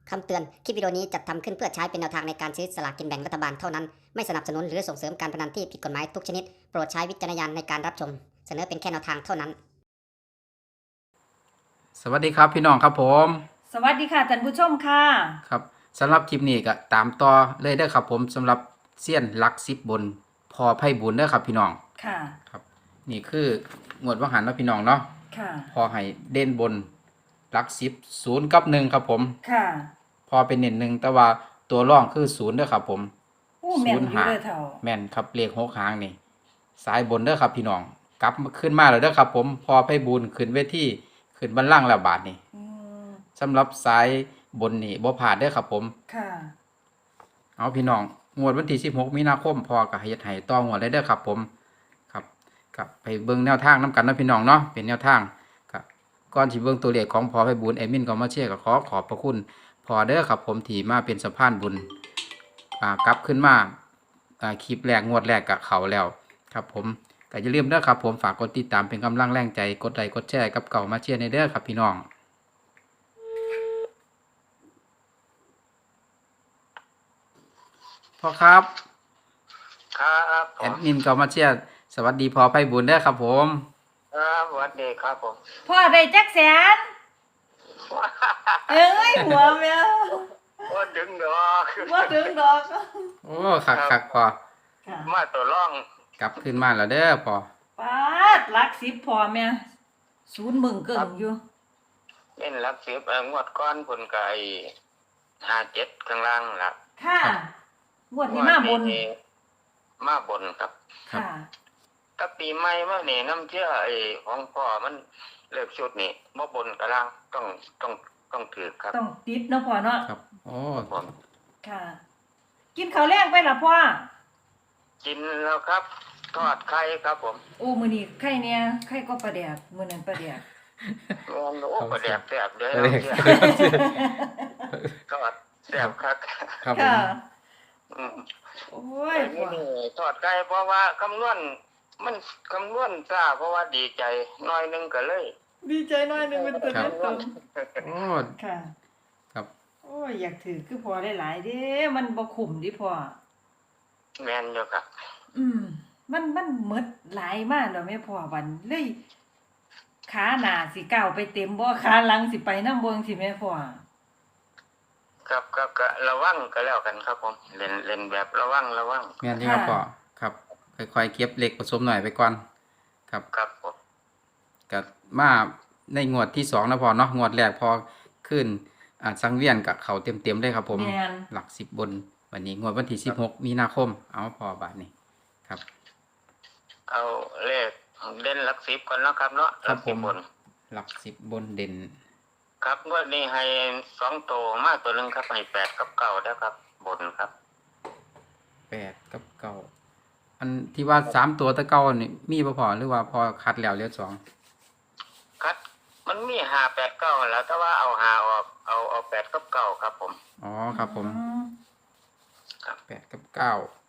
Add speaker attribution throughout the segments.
Speaker 1: คำเตือน คลิปวิดีโอนี้จัดทำขึ้นเพื่อใช้เป็นแนวทางในการซื้อสลากกินแบ่งรัฐบาลเท่านั้น ไม่สนับสนุนหรือส่งเสริมการพนันที่ผิดกฎหมายทุกชนิด โปรดใช้วิจารณญาณในการรับชม เสนอเป็นแค่แนวทางเท่านั้น
Speaker 2: สวัสดีครับพี่น้องครับผม
Speaker 3: สวัสดีค่ะท่านผู้ชมค่ะ
Speaker 2: ครับสำหรับคลิปนี้ก็ตามต่อเลยเด้อครับผมสำหรับเซียนหลัก10บนพอไพ่บุญเด้อครับพี่น้อง
Speaker 3: ค่ะ
Speaker 2: ครับนี่คืองวดวังหันเนาะพี่น้องเนาะ
Speaker 3: ค่ะ
Speaker 2: พอให้เด่นบนหลัก10 0กับ1ครับผม
Speaker 3: ค่ะ
Speaker 2: พอเป็นเน้น1แต่ว่าตัวร่องคือ0เด้อครับผม
Speaker 3: อู้แม่นอยู่
Speaker 2: หา
Speaker 3: เด้อเถ่า
Speaker 2: แม่นครับเลข6หางนี่สายบนเด้อครับพี่น้องกลับขึ้นมาแล้วเด้อครับผมพอไพ่บุญขึ้นเวทีขึ้นบัลลังก์แล้วบาดนี่
Speaker 3: อืม
Speaker 2: สำหรับสายบนนี่บ่พลาดเด้อครับผม
Speaker 3: ค่ะ
Speaker 2: เอาพี่น้องงวดวันที่16มีนาคมพอกับเฮ็ดให้ต่องวดเลยเด้อครับผมครับกับไปเบิ่งแนวทางนํกันเนาะพี่น้องเนาะเป็นแนวทางครับก่อนสิเบิ่งตัวเลขของพอไพบูลย์แอดมินก็มาเชียร์ก็ขอขอบพระคุณพอเด้อครับผมที่มาเป็นสะพานบุญกลับขึ้นมาคลิปแรกงวดแรกกับเขาแล้วครับผมก็อย่าลืมเด้อครับผมฝากกดติดตามเป็นกำลังแรงใจกดไลค์กดแชร์กับเก่ามาเชียร์ในเด้อครับพี่น้องพ่อครับ
Speaker 4: ครับผ
Speaker 2: แอ
Speaker 4: ม
Speaker 2: ดมินก็มาเชียร์สวัสดีพอไพบุญเด้อครับผม
Speaker 4: ครับสวัสดีครับผม
Speaker 3: พ่อได้จักแสน เอ้ยหัวแม่
Speaker 4: ว่าถึงดอก
Speaker 3: ว่าถึงดอก
Speaker 2: โอ้คักพอ
Speaker 3: ค่ะ
Speaker 4: มาตัวร่อง
Speaker 2: กลับขึ้นมาแล้วเด้อพอ
Speaker 3: ปาดหลัก10พ่อแม่ศูนย์มึงเกิ่งอยู่
Speaker 4: เล่นรับสิบงวดก้อนผลไก่57ข้างล่างล่ะ
Speaker 3: ค่ะงวดนี้มาบน
Speaker 4: มาบนครับ
Speaker 3: ค่ะ
Speaker 4: ถ้าปีใหม่มาเนี่ยน้ำเชื่อของพ่อมันเลิกชุดนี่บ่บนกระล่างต้องถือครับ
Speaker 3: ต้องติดเนาะพ่อเนาะ
Speaker 2: ครับโอ้
Speaker 4: ผม
Speaker 3: ค่ะ กินข้าวแรงไปล่ะพ่อ
Speaker 4: กินแล้วครับ ทอดไข่ครับผม
Speaker 3: โอ้มื้อนี้ไข่เนี่ยไข่ก็ปลาแดกมื้อนั้นปลาแดก
Speaker 4: โอ้ประแดบแซ่บเด้อ
Speaker 2: เลข
Speaker 4: น้ำเชื่อทอดแซ่บครับ
Speaker 2: ครับผม
Speaker 3: ค่ะ
Speaker 4: อืม
Speaker 3: โอ้ย
Speaker 4: นี่
Speaker 3: พ่อ
Speaker 4: ทอดไก่เพราะว่าคำนวณมันคำนวณซ่าเพราะว่าดีใจหน้อยหนึงก็เลย
Speaker 3: ดีใจหน่อยหนึงเป็นตัว
Speaker 4: ครั
Speaker 3: เล่
Speaker 4: บ
Speaker 3: นตรง
Speaker 2: โอ้
Speaker 3: ค่ะ
Speaker 2: ครับ
Speaker 3: โอ้ยอยากถือคือพอหลายๆเด้มันบ่คุ้มดิพ่อ
Speaker 4: แม่นอยู่ครับ
Speaker 3: มันหมดหลายมากแล้วแม่พ่อวันเลยขาหน้าสิก้าวไปเต็มบ่ขาหลังสิไปนำบ่จังซี่แม่พ่อ
Speaker 4: ครับก็ระวังก็แล้วกันครับผมเล่นแบบระวัง
Speaker 2: แม่นที่ครับพอครับค่อยๆเก็บเหล็กผสมหน่อยไปก่อนครับ
Speaker 4: ครับผม
Speaker 2: ก็มาในงวดที่2นะพอเนาะงวดแรกพอขึ้นสังเวียนกับเขาเต็มๆเลยครับผม
Speaker 3: แม่น
Speaker 2: หลัก10บนวันนี้งวดวันที่16มีนาคมเอาพอบาทนี้ครับ
Speaker 4: เอาเลขเด่นหลัก10ก่อนเนาะครับเนาะ
Speaker 2: ครับ
Speaker 4: หลัก10บน
Speaker 2: หลัก10บนเด่น
Speaker 4: ครับงวดนี้ให้2ตัวมาตัวหนึงครับให้8กับ9แล้วครับ บนครับ
Speaker 2: 8กับ9อันที่ว่า3ตัวแตะเก่านี่มีบ่พอหรือว่าพอคัดแล้วเหลือ2
Speaker 4: คัดมันมี5 8 9แล้วแต่ว่าเอา5ออกเอา8กับ9ครับผม
Speaker 2: อ๋อครับผม
Speaker 3: อืม
Speaker 2: 8กับ9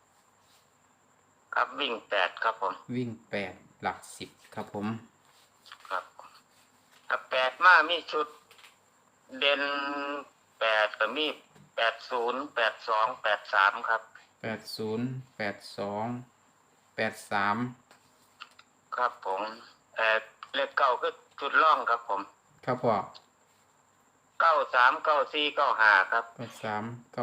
Speaker 4: ครับวิ่ง8ครับผม
Speaker 2: วิ่ง8หลัก10ครับผม
Speaker 4: ครับถ้า8มามีชุดเด่น8ก็มี80 82 83ครับ
Speaker 2: 80 82 83
Speaker 4: ครับผมเลข9คือชุดร่องครับผม
Speaker 2: ครับพ่อ
Speaker 4: 93 94 95ครับ
Speaker 2: 83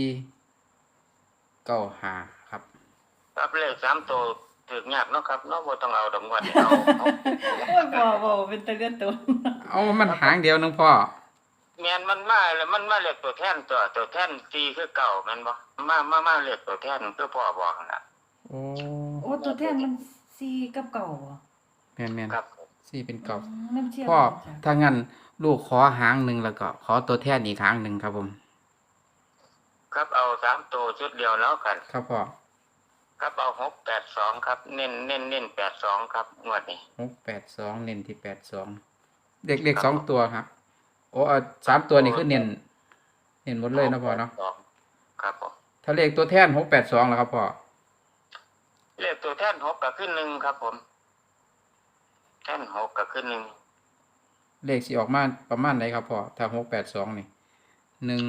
Speaker 2: 94 95ครับ
Speaker 4: ครับเลข3ตัวถึกยากเนาะครับเนาะบ่ต้องเอาดอกงวดนี่เอา
Speaker 3: โอ้ยพ่อบ่เป็นตะเลือนตัว
Speaker 2: เอามันหางเดียวนึงพ่อ
Speaker 4: แม่นมันมาแล้วมันมาเลขตัวแทนตัวแทน4คือเก่าแม่นบ่มาเลขตัวแทนคือพ่อบอกนั่นน่ะ
Speaker 2: โอ้
Speaker 3: โอ้ตัวแทนมัน4กับเก่าบ่
Speaker 2: แม่นแม่น
Speaker 4: ครับ
Speaker 2: สี่เป็นเก่า
Speaker 3: น้ำเชี่ยว
Speaker 2: พ่อ
Speaker 3: จ้ะ
Speaker 2: ถ้างั้นลูกขอหางหนึ่งแล้วก็ขอตัวแทนอีกหางหนึ่งครับผม
Speaker 4: ครับเอา3ตัวชุดเดียวแล้วกัน
Speaker 2: ครับพ่อ
Speaker 4: ครับเอา682ครับเน้น82ครับงวดนี้
Speaker 2: 682เน้นที่82เด็กๆ2ตัวครับโอ้3ตัวนี่คือเน้นหมดเลยนะพ่อเนาะ
Speaker 4: ครับผม
Speaker 2: ถ้าเลขตัวแทน682แล้วครับพ่อ
Speaker 4: เลขตัวแทน6ก็ขึ้น1ครับผมแทน6ก็ขึ้น1
Speaker 2: เลขสิออกมาประมาณไหนครับพ่อถ้า682นี่ 1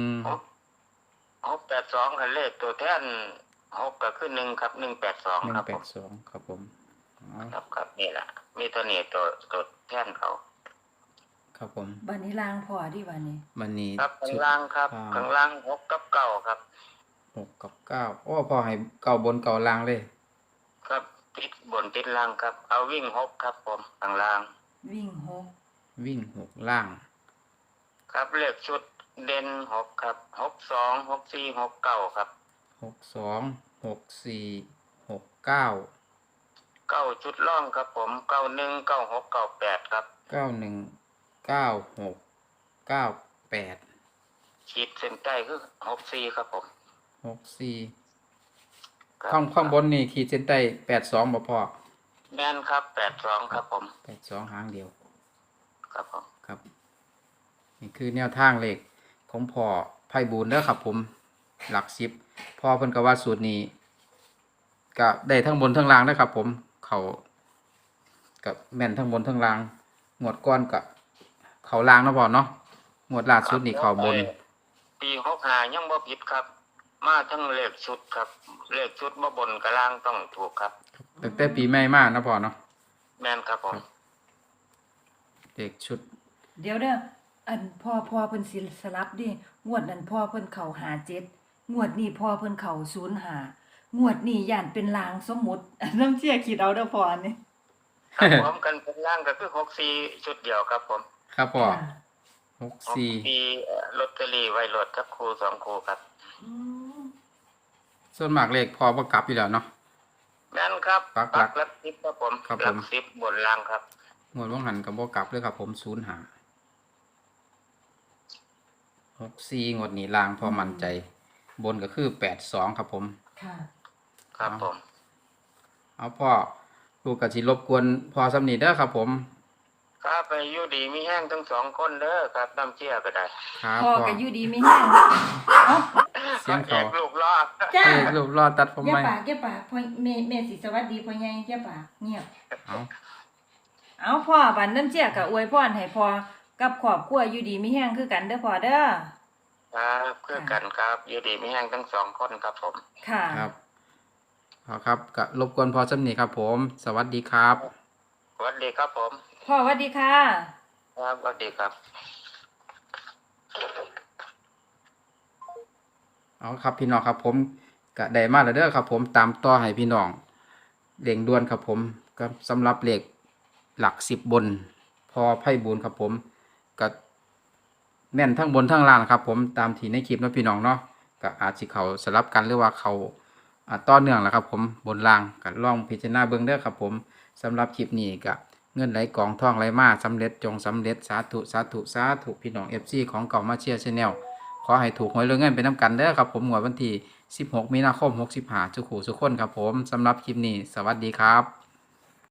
Speaker 4: 682คันเลขตัวแท่น6ก็คือ1ครับ182ครับผม
Speaker 2: 182ครับผมอ๋อ
Speaker 4: ครับนี่แหละมีตัวนี้ตัวแท่นเขา
Speaker 2: ครับผม
Speaker 3: บัดนี้ลางพ่อดิบัดนี้
Speaker 2: วันนี้
Speaker 4: ครับข้าง
Speaker 2: ชุด
Speaker 4: ล่างครับ
Speaker 2: อ่า
Speaker 4: ข้างล่าง6กับ9ครับ
Speaker 2: 6กับ9โอ้พอให้เก่าบนเก่าล่างเลย
Speaker 4: ครับติดบนติดล่างครับ เอาวิ่ง6ครับผมข้างล่าง
Speaker 3: วิ่งหก
Speaker 2: วิ่ง6ล่าง
Speaker 4: ครับเลขชุดเด่น6ครับ62 64 69ครับ
Speaker 2: 62 64 69
Speaker 4: 9ชุดล่องครับผม91 96 98ครับ
Speaker 2: 91 96 98
Speaker 4: ขีดเส้นใต้คือ64ครับผม
Speaker 2: 64
Speaker 4: ครับ
Speaker 2: ข้างบนนี่ขีดเส้นใต้82บ่พอ
Speaker 4: แม่นครับ82ครับผม
Speaker 2: 82หางเดียว
Speaker 4: ครับผม
Speaker 2: ครับ นี่คือแนวทางเลขของพ่อไพบูลย์เด้อครับผมหลัก10พ่อเพิ่นก็ว่าสูตรนี้ก็ได้ทั้งบนทั้งล่างเด้อครับผมเขากับแม่นทั้งบนทั้งล่างงวดก้อนกับเขาล่างเนาะพ่อเนาะงวดล่าสุดนี่เขาบน
Speaker 4: ปี65ยังบ่ผิดครับ มาทั้งเลขชุดครับ เลขชุดบ่บนกับล่างต้องถูกครับ
Speaker 2: ตั้งแต่ปีใหม่มาเนาะพ่อเนาะ
Speaker 4: แม่นครับผม
Speaker 2: เลขชุด
Speaker 3: เดี๋ยวเด้ออันพ่อเพิ่นสิสลับดิงวดนั้นพ่อเพิ่นเข้า57งวดนี้พ่อเพิ่นเข้า05งวดนี้ย่านเป็นลางสมมุติ น้ำเชี่ยคิดเอาเด้อพ่ออันนี้
Speaker 4: ครับผมกันเป็นล่างก็คือ64ชุดเดียวครับผม
Speaker 2: ครับพ่อ
Speaker 3: ค่ะ
Speaker 2: 64
Speaker 4: ลอตเตอรี่ไว้รถครับครู2ครูครับ
Speaker 3: อืม
Speaker 2: ส่วนมากเลขพ่อบ่กลับอยู่แล้วเนาะ
Speaker 4: แม่นครับ
Speaker 2: ปักหลัก
Speaker 4: หลัก10ครับผม
Speaker 2: ครับผม
Speaker 4: หลัก10บนล่างครับ
Speaker 2: งวดว่างหันก็บ่กลับเลยครับผม05 64งวดนี้ล่างพอมั่นใจ บนก็คือ82ครับผม
Speaker 3: ค่ะ
Speaker 4: ครับผม
Speaker 2: เอาพ่อลูกก็สิรบกวนพ่อสำนีเด้อครับผม
Speaker 4: ครับไปอยู่ดีมีแห้งทั้งสองคนเด้อครับน้ำเชี่ยก็ได้
Speaker 2: ครับ
Speaker 3: พ่อ
Speaker 2: พ่อ
Speaker 3: ก็อยู่ดีไม่แห้งเอ้า
Speaker 2: เสียงเขา
Speaker 4: อกลูกรอด
Speaker 3: จ้า
Speaker 2: เอ้ยรูปรอตัดผม
Speaker 3: อย่า
Speaker 2: ไหม
Speaker 3: ปากอย่าปากพ่อแม่สิสวัสดีพ่อใหญ่อย่าปากเงียบ
Speaker 2: เอา
Speaker 3: เอาพ่อบันน้ำเชี่ยก็อวยพรให้พ่อกับครอบครัวอยู่ดีมีแห้งคือกันเด้อพ่อเด้อ
Speaker 4: ครับเพื่อกันครับอยู่ดีมีแห้งทั้งสองคนครับผม
Speaker 3: ค่ะ
Speaker 2: ครับเอาครับก็รบกวนพ่อสำนีครับผม สวัสดีครับ
Speaker 4: สวัสดีครับผม
Speaker 3: พ่อสวัสดีค่ะ
Speaker 4: ครับสวัสดีครับ
Speaker 2: เอาครับพี่น้องครับผมก็ได้มาแล้วเด้อครับผมตามต่อให้พี่น้องเร่งด่วนครับผมก็สำหรับเลขหลัก10บน พอไพ่บูลย์ครับผมก็แม่นทั้งบนทั้งล่างครับผมตามที่ในคลิปเนาะพี่น้องเนาะก็อาจสิเขาสลับกันหรือว่าเขาต่อเนื่องแหละครับผมบนล่างก็ลองพิจารณาเบิ่งเด้อครับผมสำหรับคลิปนี้ก็เงินไหลกองท่องไหลมาสำเร็จจงสำเร็จสาธุสาธุสาธุพี่น้อง FC ของเก่ามาเชียร์ชาแนลขอให้ถูกหวยรวยเงินไปน้ำกันเด้อครับผมงวดวันที่16 มีนาคม 65ทุกคู่ทุกคนครับผมสำหรับคลิปนี้สวัสดีครับ